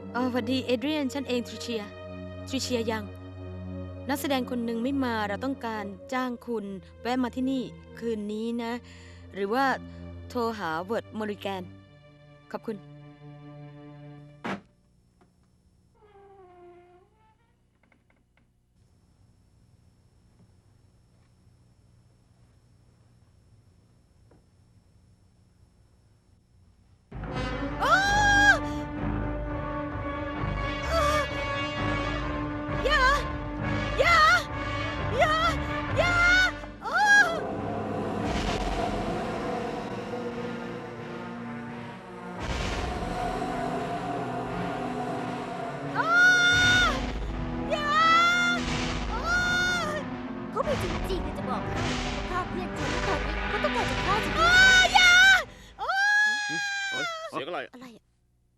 สวัสดีเอเดรียนฉันเองทริเชียยังนักแสดงคนหนึ่งไม่มาเราต้องการจ้างคุณแวะมาที่นี่คืนนี้นะ หรือว่าโทรหาเวิร์ดมอริแกนขอบคุณอย่าอย่าอย่าอย่าอ้าอ้าอย่าอ้าเขาไม่จริงๆจะบอกให้ฆ่าเพื่อนฉันตอนนี้เขาต้องการจะฆ่าฉันอย่าอ้าเสียงอะไรอะไรอะ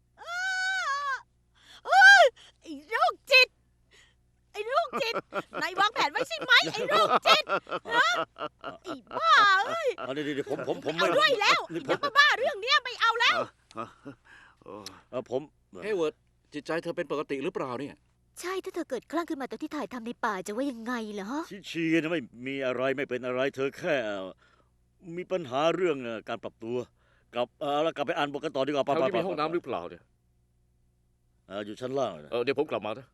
ไอ้โรคจิตไอ้โรคจิตนายวางแผนไว้ใช่ไหมไอ้โรคจิตฮะไอ้บ้าเอ้ยเดี๋ยวผมไม่เอาด้วยแล้วนี่อย่ามาบ้าเรื่องเนี้ยไม่เอาแล้วผมเฮ้ยเวิร์ดจิตใจเธอเป็นปกติหรือเปล่าเนี่ยใช่ถ้าเธอเกิดคลั่งขึ้นมาตอนที่ถ่ายทำในป่าจะว่ายังไงเหรอชิชีนะไม่มีอะไรไม่เป็นอะไรเธอแค่มีปัญหาเรื่องการปรับตัวแล้วกลับไปอ่านบทกันต่อดีกว่าแถวนี้มีห้องน้ำหรือเปล่าเนี่ยอยู่ชั้นล่างนะเดี๋ยวผมกลับมานะ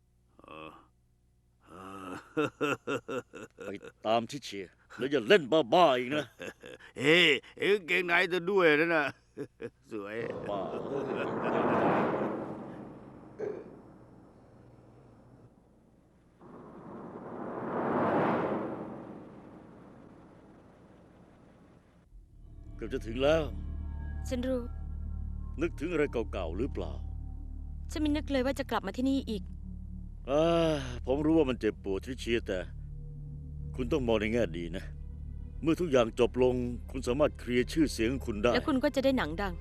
ไปตามชิชีแล้วอย่าเล่นบ้าๆอีกนะเฮ้เอ็งเก่งไหนจะด้วยนะน่ะ สวยบ้าเกือบจะถึงแล้วฉันรู้นึกถึงอะไรเก่าๆหรือเปล่าฉันไม่นึกเลยว่าจะกลับมาที่นี่อีกผมรู้ว่ามันเจ็บปวดทริเชียแต่คุณต้องมองในแง่ดีนะ เมื่อทุกอย่างจบลงคุณสามารถเคลียร์ชื่อเสียงของคุณได้แล้วคุณก็จะได้หนังดัง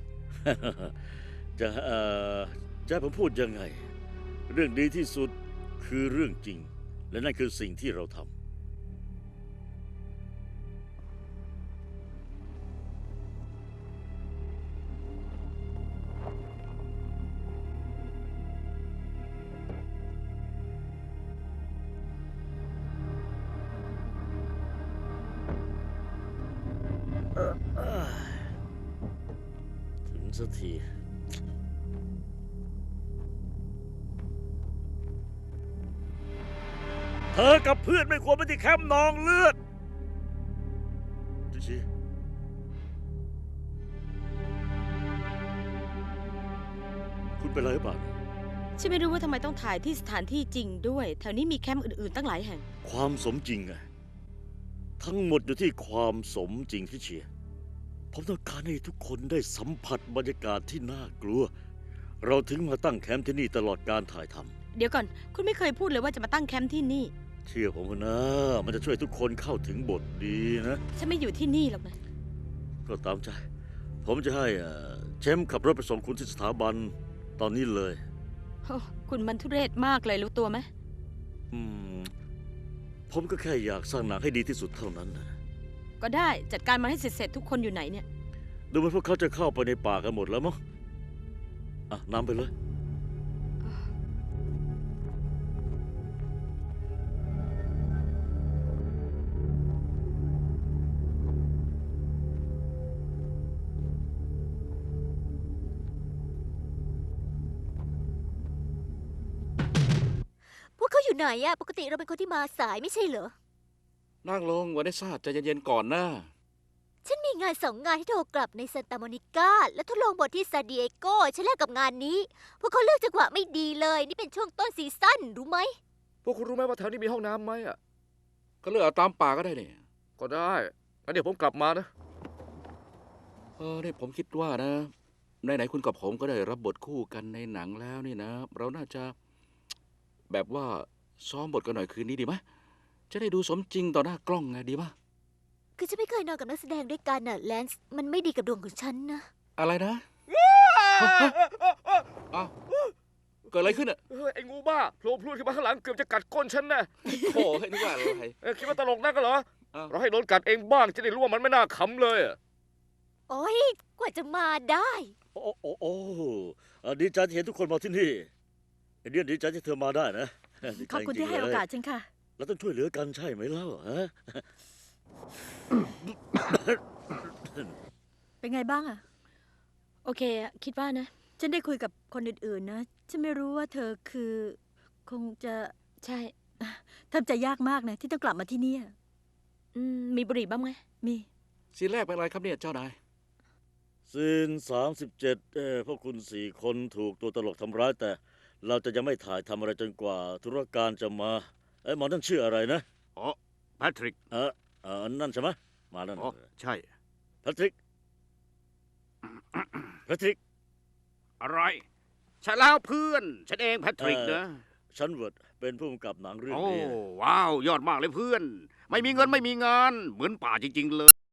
จะให้ผมพูดยังไง เรื่องดีที่สุดคือเรื่องจริง และนั่นคือสิ่งที่เราทำถึงสักที เธอกับเพื่อนไม่ควรไปที่แคมป์นองเลือดชิคุณเป็นอะไรหรือเปล่าฉันไม่รู้ว่าทำไมต้องถ่ายที่สถานที่จริงด้วย แถวนี้มีแคมป์อื่นๆตั้งหลายแห่งความสมจริงไงทั้งหมดอยู่ที่ความสมจริงที่เชียร์ผมต้องการให้ทุกคนได้สัมผัสบรรยากาศที่น่ากลัว เราถึงมาตั้งแคมป์ที่นี่ตลอดการถ่ายทำเดี๋ยวก่อน คุณไม่เคยพูดเลยว่าจะมาตั้งแคมป์ที่นี่เชื่อผมนะ มันจะช่วยทุกคนเข้าถึงบทดีนะฉันไม่อยู่ที่นี่หรอกนะก็ตามใจ ผมจะให้เชมป์ขับรถไปส่งคุณที่สถาบันตอนนี้เลยโอ้คุณมันทุเรศมากเลยรู้ตัวไหมอืม ผมก็แค่อยากสร้างหนังให้ดีที่สุดเท่านั้นนะก็ได้จัดการมาให้เสร็จๆทุกคนอยู่ไหนเนี่ยดูเหมือนพวกเขาจะเข้าไปในป่ากันหมดแล้วมั้งนำไปเลยพวกเขาอยู่ไหนอะปกติเราเป็นคนที่มาสายไม่ใช่เหรอนั่งลงวานิสซาใจเย็นๆก่อนนะฉันมีงาน2 งานที่โทรกลับในซานตาโมนิกาและทดลองบทที่ซานดิเอโกฉันแลกกับงานนี้ พวกเขาเลือกจังหวะไม่ดีเลย นี่เป็นช่วงต้นซีซั่นรู้ไหมพวกคุณรู้ไหมว่าแถวนี้มีห้องน้ำไหมอ่ะก็เลือกเอาตามป่าก็ได้เนี่ยก็ได้งั้นเดี๋ยวผมกลับมานะนี่ผมคิดว่านะไหนๆคุณกับผมก็ได้รับบทคู่กันในหนังแล้วนี่นะ เราน่าจะแบบว่าซ้อมบทกันหน่อยคืนนี้ดีไหมจะได้ดูสมจริงต่อหน้ากล้องไงดีปะคือฉันไม่เคยนอนกับนักแสดงด้วยกันน่ะแลนซ์มันไม่ดีกับดวงของฉันนะอะไรนะอ้าวเกิดอะไรขึ้นอ่ะไอ้งูบ้าโผล่พรวดขึ้นมาข้างหลังเกือบจะกัดก้นฉันนะโถ่ให้นึกว่าอะไรคิดว่าตลกนักเหรออ้าวเราให้โดนกัดเองบ้างจะได้รู้ว่ามันไม่น่าขำเลยอะโอ้ยกว่าจะมาได้โอ้ดีใจที่เห็นทุกคนมาที่นี่เอเดียนดีใจที่เธอมาได้นะดีใจขอบคุณจริที่งๆให้โอกาสเลยฉันค่ะเราต้องช่วยเหลือกันใช่ไหมเล่าฮะเป็นไงบ้างอะโอเคอะคิดว่านะฉันได้คุยกับคนอื่นๆนะ ฉันไม่รู้ว่าเธอคือ คงจะใช่ทำใจยากมากนะที่ต้องกลับมาที่เนี่ยมีบุหรี่บ้างไหมมีซีนแรกเป็นอะไรครับเนี่ยเจ้านายซีน37พวกคุณ4 คนถูกตัวตลกทำร้ายแต่เราจะยังไม่ถ่ายทำอะไรจนกว่าธุรการจะมาหมอนั่นชื่ออะไรนะอ๋อแพทริกนั่นใช่ไหมมานั่นอ๋อใช่แพทริกแพทริกอะไรใช่แล้วเพื่อน ฉันเองแพทริกนะฉันเวิร์ดเป็นผู้กำกับหนังเรื่องโอ้นี้ว้าว ยอดมากเลยเพื่อน ไม่มีเงินไม่มีงาน เหมือนป่าจริง ๆ เลย